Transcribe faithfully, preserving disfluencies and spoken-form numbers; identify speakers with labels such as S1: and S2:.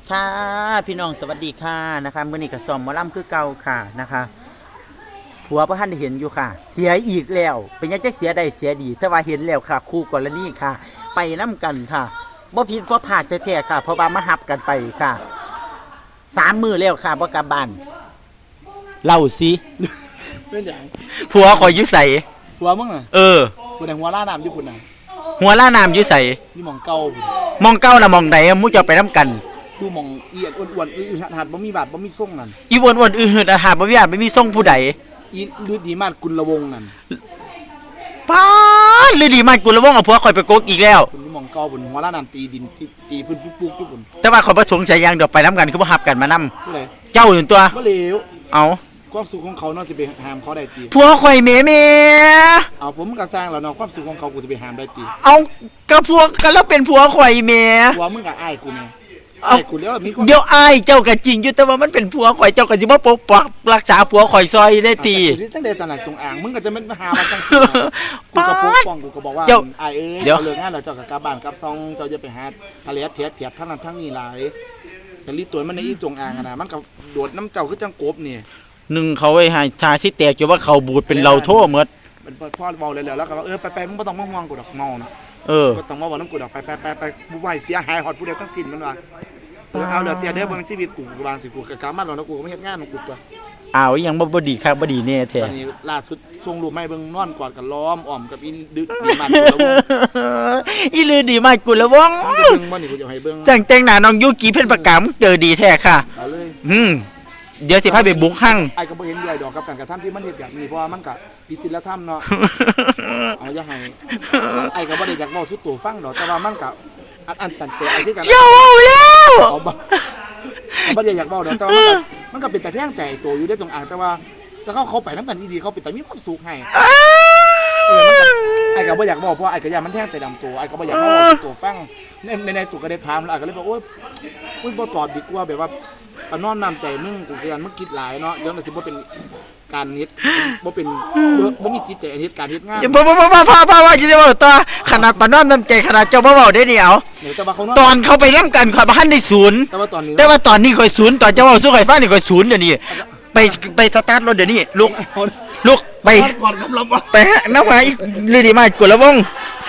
S1: ค่ะพี่น้องสวัสดีค่ะนะคะมื่อนี้กับซอมหมอลำคือเก่าค่ะนะคะผัวพระท่านได้เห็นอยู่ค่ะ เสียอีกแล้วเป็นยังจะเสียได้เสียดีแต่ว่าเห็นแล้วค่ะคู่กรณีค่ะ ไปน้ำกันค่ะบ่ผิดบ่พลาดแท้ๆค่ะเพราะว่ามาหับกันไปค่ะสามมือแล้วค่ะบ่กลับบ้านเล่าสิ
S2: เป็นอย่าง
S1: ผัวคอยยุ่ใส
S2: หัวมึงอ่ะ
S1: เออ
S2: คนไหนหัวล่าน้ำญี่ปุ่นอ่ะ
S1: หัวล่าน้ำยุ่ใส
S2: นี่หมองเก่าพุ่น
S1: มองเก้านะมองใดมู้จะไปน้ำกัน
S2: ดูหมองเอียดอ้วนๆอือหัดหัดบ่มีบาดบ่มีส่งนั่น
S1: อีวนวนอือหืดอาหารบ่มีอาจไม่มีส่งผู้ใด
S2: อีลือดีมากกุลวงนั่น
S1: ป้าดหรือดีมันกูระวงเอาผัวคอยไปโกกอีกแล้ว
S2: คุณนี่หมองเก่าพุ่นหัวล่าน้ำตีดินตีตีพื้นปุ๊กๆทุกพุ่น
S1: แต่ว่าขอยประสงค์ใจอยังเดี๋ยวไปน้ำกันคือบ่ฮับกันมานํ
S2: ผู้ใด
S1: เจ้าอยู่ตัว
S2: บ่เหลว
S1: เอา
S2: ความสุขของเขาเนาะจะไปห้ามเขาได้ตี
S1: ผัวคอยเมเม
S2: เอาผมก็สร้างแล้วเนาะความสุขของเขากูจะไปห้ามได้ตี
S1: เอากระพวกกันแล้วเป็นผัวคอยเม
S2: หัวมึงกับอ้ายกูไง
S1: เอา
S2: อ้ายกูแล้วมีความ
S1: เดี๋ยวอายเจ้าก็จริงอยู่แต่ว่ามันเป็นผัวคอยเจ้าก็สิบ่ปกปักรักษาผัวคอยซอยได้ตี
S2: กูสิจังได๋สนั่นจงอางมึงก็จะเป็นมาหามาจังซี่กูก็ปกป้องกูก็บอกว่า
S1: เจ้า
S2: อ้ายเอ้ย
S1: เดี๋ยว
S2: เจ้าเลิกงานแล้วเจ้าก็กลับบ้านกลับซองเจ้าอย่าไปหาทะเลเทียดเทียดทั้งนั้นทั้งนี้หลายแต่ลีตัวมันในอีจงอางอะนะมันก็โดดน้ำเจ้าคือจังกบนี่
S1: หนึ่งเขาไว้ให้ชาสิแตกอยู่ว่าเขาบูดเป็นเราโทษหมด
S2: มันพ่อเบาเลยแล้วแล้วก็ว่าเออไปไปมึงบ่ต้องมาห่วงกูดอกเมานะ
S1: เออ
S2: บ่ต้องมาบอกน้ำกูดอกไปไปไปไปกูไหวเสียหายหอดผู้เดียวทั้งสิ้นมันว่าเออเอาเดี๋ยวเตียเด้อบ่เป็นชีวิตกูกูวางสิกูก็กลับมาแล้วนะกูก็ไม่เฮ็ดงานของกูตัว
S1: อ้าวยังบ่บ่ดีครับบ่ดีแน่แท้
S2: ตอนนี้ล่าสุดส่งรูปมาให้เบิ่งนอนกอดกันล้อมอ้อมกับอีดึกดีมากกูแล้ว
S1: อีลือดีมากกูละวง
S2: มึงจะเบิ่งบ่นี่กูจะให้เบิ่ง
S1: จังแต่งหน้าน้องยุกิเพิ่นประกาศเจอดีแท้ค่ะ
S2: เอาเลย
S1: อืมเดี๋ยวสิพาไปบุกห้าง
S2: ไอ้ก็บ่เห็นด้วยดอกกับการกระทำที่มันเฮ็ดแบบนี้เพราะว่ามันก็ผิดศีลธรรมเนาะ เอาอย่าให้ไอ้ก็บ่ได้อยากเว้าสุดตัวฟังดอกแต่ว่ามันก็อันอันตันใจไอ้คือกัน
S1: เจ้าเอาแล้ว
S2: เอาบ่เอาบ่ได้อยากเว้าดอกแต่ว่ามันก็มันก็เป็นแต่แท่งใจตัวอยู่ได้จงอางแต่ว่าถ้าเขาเขาไปนำกันดีๆเขาเป็นแต่มีความสุขให้เออมันก็ไอ้ก็บ่อยากเว้าเพราะไอ้ก็อยากมันแท่งใจดำตัวไอ้ก็บ่อยากเว้าสุดตัวฟังในในในตัวก็ได้ถามแล้วไอ้ก็เลยบอกโอ๊ยโอ๊ยบ่ตอบดีกว่าแบบว่าเอาน้อมน้ำใจมึงกูก็ยันมึงคิดหลายเนาะเดี๋ยวมันสิบ่เป็นการเฮ็ดบ่เป็นบ่บ่มีจิตใจเฮ็ดการเฮ็ดงาน
S1: อย่าบ่บ่บ่บ่พ่อพ่อว่าสิได้เว้าต่อขนาดปานน้อมน้ำใจขนาดเจ้าบ่เว้าได้นี่เอา
S2: เดี๋ยวแต่ว่าเขาเนาะ
S1: ตอนเขาไปนํกันข่อยบ่ทันได้ศูนย์
S2: แต่ว่าตอนนี้
S1: แต่ว่าตอนนี้ข่อยศูนย์ตอนเจ้าเว้าสู้ข่อยฟังนี่ข่อยศูนย์เดี๋ยวนี้ไปไปสตาร์ทรถเดี๋ยวนี้ลุกลุกไป
S2: ก่อนกำลังว่า
S1: ไปหาน้ำหาอีกลือดีมากกูละวง